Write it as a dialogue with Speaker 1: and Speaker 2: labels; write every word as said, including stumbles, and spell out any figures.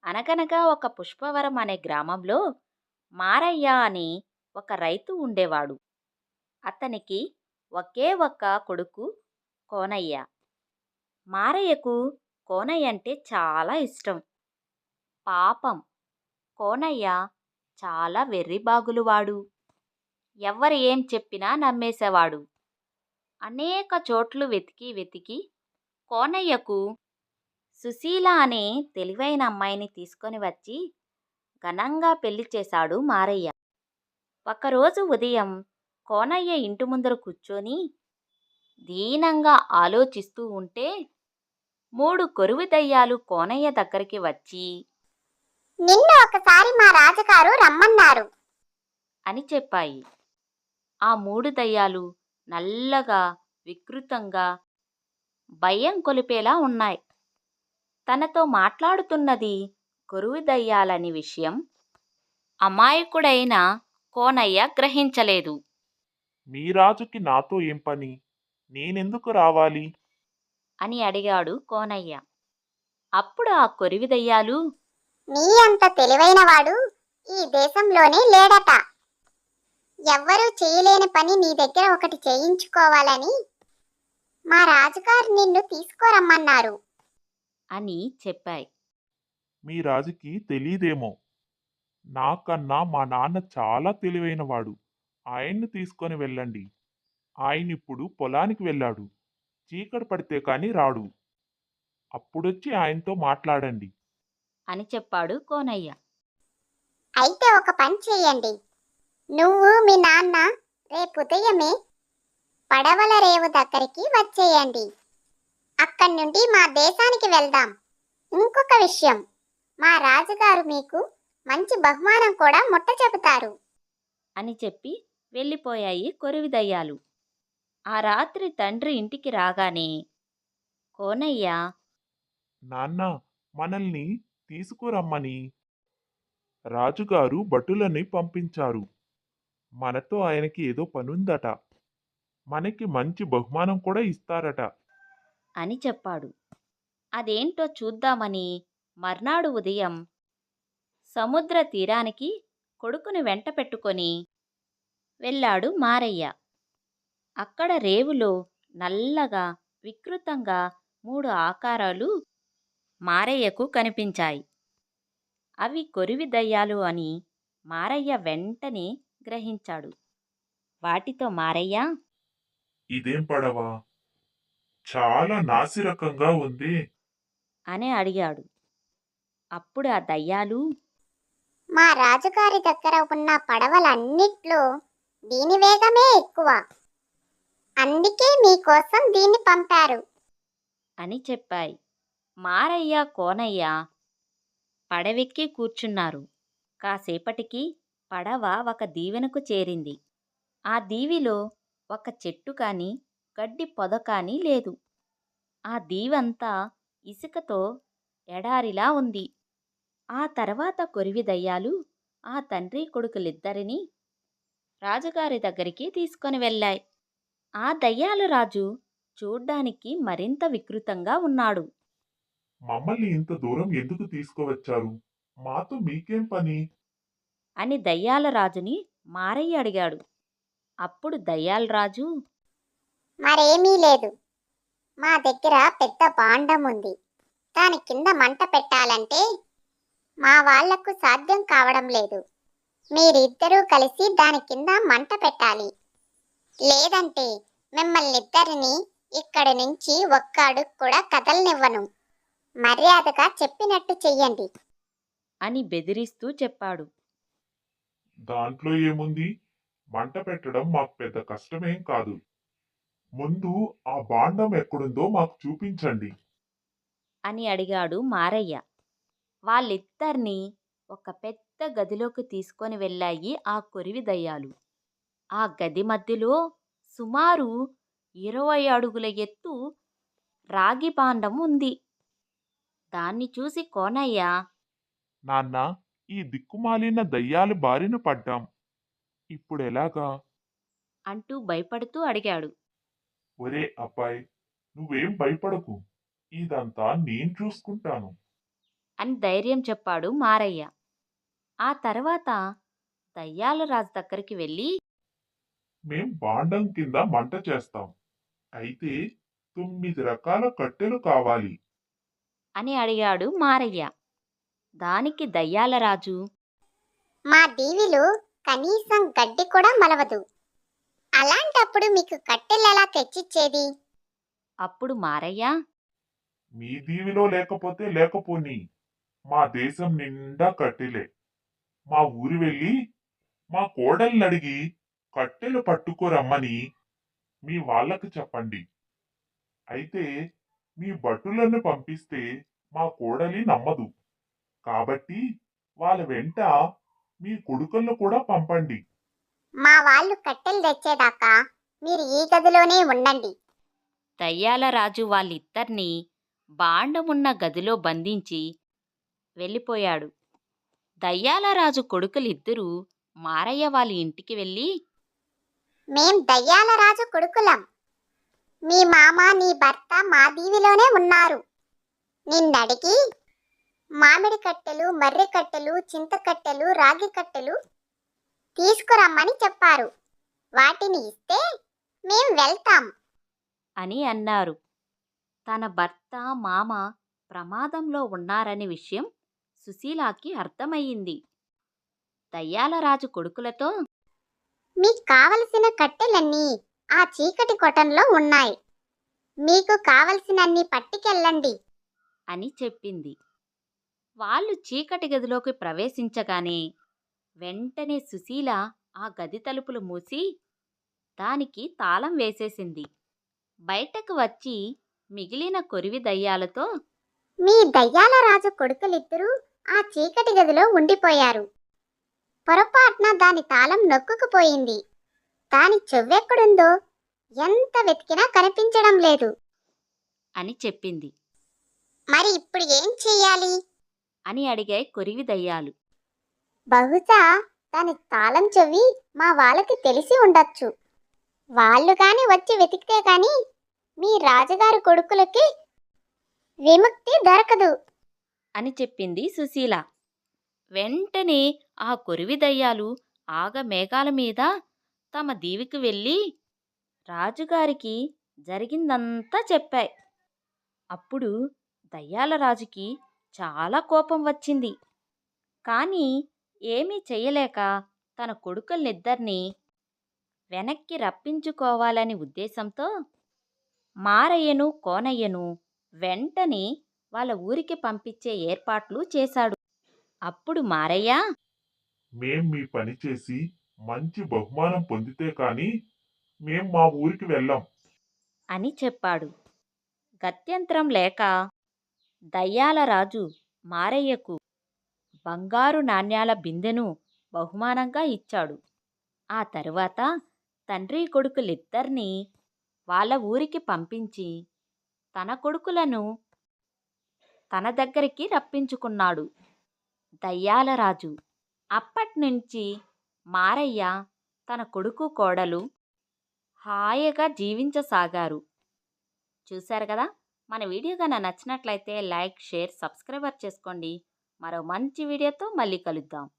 Speaker 1: అనగనగా ఒక పుష్పవరం అనే గ్రామంలో మారయ్య అని ఒక రైతు ఉండేవాడు. అతనికి ఒకే ఒక్క కొడుకు కోనయ్య. మారయ్యకు కోనయ్య అంటే చాలా ఇష్టం. పాపం కోనయ్య చాలా వెర్రిబాగులువాడు. ఎవ్వరు ఏం చెప్పినా నమ్మేసేవాడు. అనేక చోట్లు వెతికి వెతికి కోనయ్యకు సుశీల అనే తెలివైన అమ్మాయిని తీసుకొని వచ్చి ఘనంగా పెళ్లి చేశాడు మారయ్య. ఒకరోజు ఉదయం కోనయ్య ఇంటి ముందర కూర్చొని దీనంగా ఆలోచిస్తూ ఉంటే మూడు కొరువు దయ్యాలు కోనయ్య దగ్గరికి వచ్చి
Speaker 2: నిన్ను ఒకసారి మా రాజుగారు రమ్మన్నారు
Speaker 1: అని చెప్పాయి. ఆ మూడు దయ్యాలు నల్లగా, వికృతంగా, భయం కొలిపేలా ఉన్నాయి. తనతో మాట్లాడుతున్నది కొరువు దయ్యాలని విషయం అమాయకుడైన కోనయ్య గ్రహించలేదు.
Speaker 3: మీ రాజుకి నాతో ఏం పని? నేనెందుకు రావాలి?
Speaker 1: అని అడిగాడు కోనయ్య. అప్పుడు ఆ కొరివి దయ్యాలు,
Speaker 2: నీ అంత తెలివైనవాడు ఈ దేశంలోనే లేడట. ఎవ్వరూ చేయలేని పని నీ దగ్గర ఒకటి చేయించుకోవాలని మా రాజుగారు నిన్ను తీసుకురమ్మన్నారు
Speaker 1: అని చెప్పాయి.
Speaker 3: మీ రాజుకి తెలీదేమో. నాకన్నా మా నాన్న చాలా తెలివైనవాడు. ఆయన్ని తీసుకొని వెళ్ళండి. ఆయనిప్పుడు పొలానికి వెళ్ళాడు. చీకటి పడితే కాని రాడు. అప్పుడొచ్చి ఆయనతో మాట్లాడండి
Speaker 1: అని చెప్పాడు కోనయ్య.
Speaker 2: అయితే ఒక పని చేయండి. నువ్వు మీ నాన్న రేపు ఉదయమే పడవల రేవు దగ్గరికి వచ్చేయండి. అక్కడి నుండి మా దేశానికి వెళ్దాం. ఇంకొక విషయం, మా రాజుగారు మీకు మంచి బహుమానం కూడా ముట్ట చెబుతారు
Speaker 1: అని చెప్పి వెళ్ళిపోయాయి కొరివి దయ్యాలు. ఆ రాత్రి తండ్రి ఇంటికి రాగానే కోనయ్య,
Speaker 3: నాన్న, మనల్ని తీసుకురమ్మని రాజుగారు భటులని పంపించారు. మనతో ఆయనకి ఏదో పనుందట. మనకి మంచి బహుమానం కూడా ఇస్తారట
Speaker 1: అని చెప్పాడు. అదేంటో చూద్దామని మర్నాడు ఉదయం సముద్ర తీరానికి కొడుకుని వెంట పెట్టుకొని వెళ్ళాడు మారయ్య. అక్కడ రేవులో నల్లగా, వికృతంగా మూడు ఆకారాలు మారయ్యకు కనిపించాయి. అవి కొరివి దయ్యాలు అని మారయ్య వెంటనే గ్రహించాడు. వాటితో మారయ్య,
Speaker 3: ఇదేం పడవా? చాలా నాసిరకంగా ఉంది
Speaker 1: అని అడిగాడు. అప్పుడు ఆ దయ్యాలు,
Speaker 2: మా రాజుగారి దగ్గర ఉన్న పడవలన్నిట్లో దీని వేగమే ఎక్కువ. అందుకే మీకోసం దీన్ని పంపారు
Speaker 1: అని చెప్పాయి. మారయ్య, కోనయ్య పడవెక్కి కూర్చున్నారు. కాసేపటికి పడవ ఒక దీవెనకు చేరింది. ఆ దీవిలో ఒక చెట్టు కాని, గడ్డి పొద కాని లేదు. ఆ దీవంతా ఇసుకతో ఎడారిలా ఉంది. ఆ తర్వాత కొరివి దయ్యాలు ఆ తండ్రి కొడుకులిద్దరినీ రాజుగారి దగ్గరికి తీసుకొని వెళ్ళాయి. ఆ దయ్యాలు రాజు చూడ్డానికి మరింత వికృతంగా ఉన్నాడు.
Speaker 3: మమ్మల్ని ఇంత దూరం ఎందుకు తీసుకువచ్చారు? మాతో మీకేం పని?
Speaker 1: అని దయ్యాల రాజుని మారయ్య అడిగాడు. అప్పుడు దయ్యాల రాజు,
Speaker 2: మరేమీ లేదు. మా దగ్గర పెద్ద భాండం ఉంది. దాని కింద మంట పెట్టాలంటే మా వాళ్లకు సాధ్యం కావడం లేదు. మీరిద్దరూ కలిసి దాని కింద మంట పెట్టాలి. లేదంటే మిమ్మల్ని ఇద్దరిని ఇక్కడి నుంచి ఒక్క అడుగు కూడా కదలనివ్వను. మర్యాదగా చెప్పినట్టు చెయ్యండి
Speaker 1: అని బెదిరిస్తూ చెప్పాడు.
Speaker 3: దాంట్లో ఏముంది? మంట పెట్టడం మాకు పెద్ద కష్టమేం కాదు. ముందు ఆ భాండం ఎక్కడుందో మాకు చూపించండి
Speaker 1: అని అడిగాడు మారయ్య. వాళ్ళిద్దరినీ ఒక పెద్ద గదిలోకి తీసుకొని వెళ్ళాయి ఆ కొరివి దయ్యాలు. ఆ గది మధ్యలో సుమారు ఇరవై అడుగుల ఎత్తు రాగి భాండం ఉంది. దాన్ని చూసి కోనయ్య,
Speaker 3: నాన్న, ఈ దిక్కుమాలిన దయ్యాల బారిన పడ్డాం. ఇప్పుడెలాగా?
Speaker 1: అంటూ భయపడుతూ అడిగాడు.
Speaker 3: ఒరే అబ్బాయి, నువ్వేం భయపడకు. ఇదంతా నేను చూసుకుంటాను.
Speaker 1: అని ధైర్యం చెప్పాడు మారయ్య. ఆ తర్వాత దయ్యాల రాజు దగ్గరికి వెళ్ళి,
Speaker 3: మేం బాండం కింద మంట చేస్తాం. అయితే తొమ్మిది రకాల కట్టెలు కావాలి.
Speaker 1: అని అడిగాడు మారయ్య. దానికి దయ్యాల రాజు,
Speaker 2: మా దీవిలో కనీసం గడ్డి కూడా మలవదు. అలాంటప్పుడు మీకు కట్టెలెలా తెచ్చిచ్చేది?
Speaker 1: అప్పుడు మారయ్య,
Speaker 3: మీ దీవిలో లేకపోతే లేకపోని, మా దేశం నిండా కట్టెలే. మా ఊరు వెళ్ళి మా కోడల్ని అడిగి కట్టెలు పట్టుకోరమ్మని మీ వాళ్ళకు చెప్పండి. అయితే మీ భటులను పంపిస్తే మా కోడలి నమ్మదు. కాబట్టి వాళ్ళ వెంట మీ కొడుకులను కూడా పంపండి.
Speaker 2: మా వాళ్ళు కట్టెలు తెచ్చేదాకా మీరు ఈ గదిలోనే ఉండండి.
Speaker 1: దయ్యాల రాజు వాళ్ళిద్దరినీ బాండమున్న గదిలో బంధించి వెళ్ళిపోయాడు. దయ్యాల రాజు కొడుకులిద్దరూ మారయ్య వాళ్ళ ఇంటికి వెళ్ళి,
Speaker 2: మేం దయ్యాల రాజు కొడుకులం. మీ మామ నీ భర్త మా దీవిలోనే ఉన్నారు. నిన్నడిగి మామిడి కట్టెలు, మర్రి కట్టెలు, చింత కట్టెలు, రాగి కట్టెలు తీసుకురమ్మని చెప్పారు. వాటిని ఇస్తే మేం వెళ్తాం
Speaker 1: అని అన్నారు. తన భర్త, మామ ప్రమాదంలో ఉన్నారనే విషయం సుశీలాకి అర్థమయ్యింది. దయ్యాల రాజు కొడుకులతో,
Speaker 2: మీకు కావలసిన కట్టెలన్నీ ఆ చీకటి కొటంలో ఉన్నాయి. మీకు కావలసినన్ని పట్టుకెళ్ళండి
Speaker 1: అని చెప్పింది. వాళ్ళు చీకటి గదిలోకి ప్రవేశించగానే వెంటనే సుశీల ఆ గది తలుపులు మూసి దానికి తాళం వేసేసింది. బయటకు వచ్చి మిగిలిన కొరివి దయ్యాలతో,
Speaker 2: మీ దయ్యాల రాజు కొడుకులిద్దరూ ఆ చీకటి గదిలో ఉండిపోయారు. పొరపాటున దాని తాళం నొక్కుకుపోయింది. దాని చెవ్వెక్కడుందో ఎంత వెతికినా కనిపించడం లేదు.
Speaker 1: అని చెప్పింది.
Speaker 2: మరి ఇప్పుడు ఏం చెయ్యాలి?
Speaker 1: అని అడిగాయి కొరివి దయ్యాలు.
Speaker 2: బహుశా దాని తాళం చెవి మా వాళ్ళకి తెలిసి ఉండొచ్చు. వాళ్ళు కాని వచ్చి వెతికితే గాని మీ రాజుగారి కొడుకులకి విముక్తి దొరకదు
Speaker 1: అని చెప్పింది సుశీల. వెంటనే ఆ కొరివి దయ్యాలు ఆగ మేఘాల మీద తమ దీవికి వెళ్ళి రాజుగారికి జరిగిందంతా చెప్పాయి. అప్పుడు దయ్యాల రాజుకి చాలా కోపం వచ్చింది. కానీ ఏమీ చెయ్యలేక తన కొడుకుల్నిద్దరినీ వెనక్కి రప్పించుకోవాలని ఉద్దేశంతో మారయ్యను, కోనయ్యను వెంటనే వాళ్ళ ఊరికి పంపించే ఏర్పాట్లు చేశాడు. అప్పుడు మారయ్య,
Speaker 3: మేం మీ పని చేసి మంచి బహుమానం పొందితే కాని మేం మా ఊరికి వెళ్ళాం
Speaker 1: అని చెప్పాడు. గత్యంతరం లేక దయ్యాల రాజు మారయ్యకు బంగారు నాణ్యాల బిందెను బహుమానంగా ఇచ్చాడు. ఆ తరువాత తండ్రి కొడుకులిద్దరినీ వాళ్ళ ఊరికి పంపించి తన కొడుకులను తన దగ్గరికి రప్పించుకున్నాడు దయ్యాల రాజు. అప్పట్నుంచి మారయ్య తన కొడుకు, కోడలు హాయిగా జీవించసాగారు. చూశారు కదా, మన వీడియో కనుక నచ్చినట్లయితే లైక్, షేర్, సబ్స్క్రైబర్ చేసుకోండి. మరో మంచి వీడియోతో మళ్ళీ కలుద్దాం.